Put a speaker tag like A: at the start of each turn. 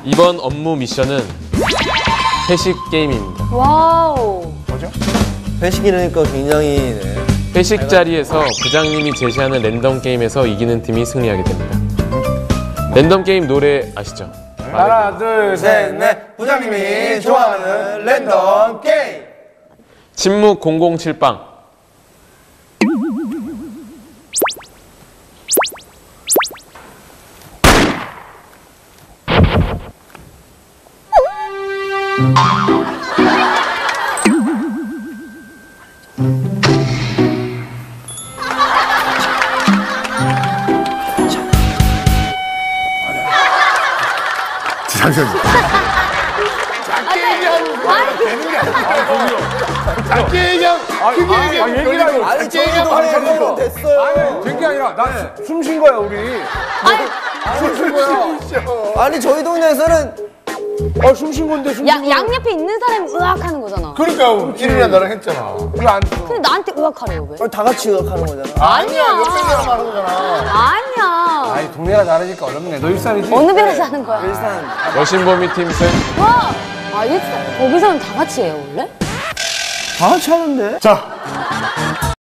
A: 이번 업무 미션은 회식 게임입니다.
B: 와우.
C: 뭐죠?
D: 회식이라니까 굉장히
A: 회식 자리에서 부장님이 제시하는 랜덤 게임에서 이기는 팀이 승리하게 됩니다. 랜덤 게임 노래 아시죠?
C: 하나, 둘, 셋, 넷. 부장님이 좋아하는 랜덤 게임.
A: 침묵 007빵.
C: 잠시만요. 작게 얘기하면 되는 게 아니야. 작게 얘기하면 크게 얘기하면
D: 아니
C: 작게 얘기하면
D: 저희도 됐어요.
C: 아니, 된 게 아니라 나 숨 쉰 거야, 우리. 숨 쉰 거야.
D: 아니 저희 동네에서는
C: 숨 쉰 건데 숨 쉰 거야.
B: 양옆에 있는 사람이 으악 하는 거잖아.
C: 그러니까 기린이랑 나랑 했잖아. 이거 안 써.
B: 근데 나한테 으악 하래요, 왜?
D: 다 같이 의학하는 거잖아.
C: 아니야, 옆에 사람 하는 거잖아.
B: 아니야.
C: 아니, 동네가 다르니까 어렵네. 너 일산이지?
B: 어느 배에서 하는 거야?
D: 일산
A: 여신범위 팀 승.
B: 와! 아, 일단 거기서는 다 같이 해요, 원래?
D: 다 같이 하는데.
C: 자,